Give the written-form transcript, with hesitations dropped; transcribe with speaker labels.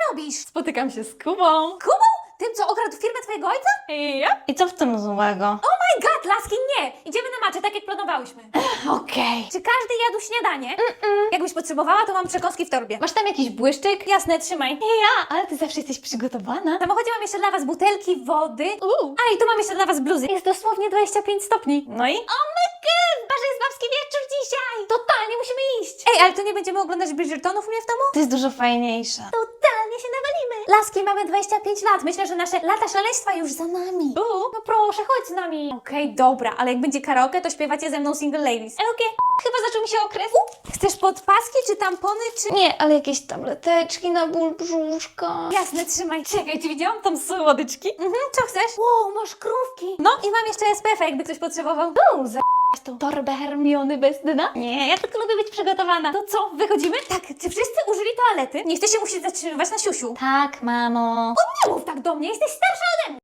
Speaker 1: robisz?
Speaker 2: Spotykam się z Kubą.
Speaker 1: Kubą? Tym, co okradł firmę twojego ojca?
Speaker 2: Ja? I co w tym złego?
Speaker 1: Oh my god, laski, nie! Idziemy na macze, tak jak planowałyśmy.
Speaker 2: Okej.
Speaker 1: Czy każdy jadł śniadanie? Jakbyś potrzebowała, to mam przekąski w torbie.
Speaker 2: Masz tam jakiś błyszczyk?
Speaker 1: Jasne, trzymaj.
Speaker 2: Ja, ale ty zawsze jesteś przygotowana.
Speaker 1: W samochodzie mam jeszcze dla was butelki wody.
Speaker 2: Uuu.
Speaker 1: A i tu mam jeszcze dla was bluzy. Jest dosłownie 25 stopni.
Speaker 2: No i?
Speaker 1: Oh my god, chyba, że jest babski wieczór dzisiaj. Totalnie musimy iść. Ej, ale to nie będziemy oglądać Bridgertonów u mnie w domu?
Speaker 2: To jest dużo fajniejsze.
Speaker 1: Totalnie się nawalimy. Laski, mamy 25 lat. Myślę, że nasze lata szaleństwa już za nami. No proszę, chodź z nami. Okej, dobra, ale jak będzie karaoke, to śpiewacie ze mną Single Ladies. Okej.
Speaker 2: Chyba zaczął mi się okres.
Speaker 1: Chcesz podpaski, czy tampony, czy...
Speaker 2: Nie, ale jakieś tableteczki na ból brzuszka.
Speaker 1: Jasne, trzymaj.
Speaker 2: Czekaj, czy widziałam tam słodyczki?
Speaker 1: Co chcesz? Wow, masz krówki. No i mam jeszcze SPF, jakby ktoś potrzebował.
Speaker 2: Tą torbę Hermiony bez dna? Nie, ja tylko lubię być przygotowana.
Speaker 1: To co, wychodzimy? Tak, czy wszyscy użyli toalety? Nie chcecie musieć zatrzymywać na siusiu.
Speaker 2: Tak, mamo.
Speaker 1: Nie mów tak do mnie, jesteś starsza ode mnie.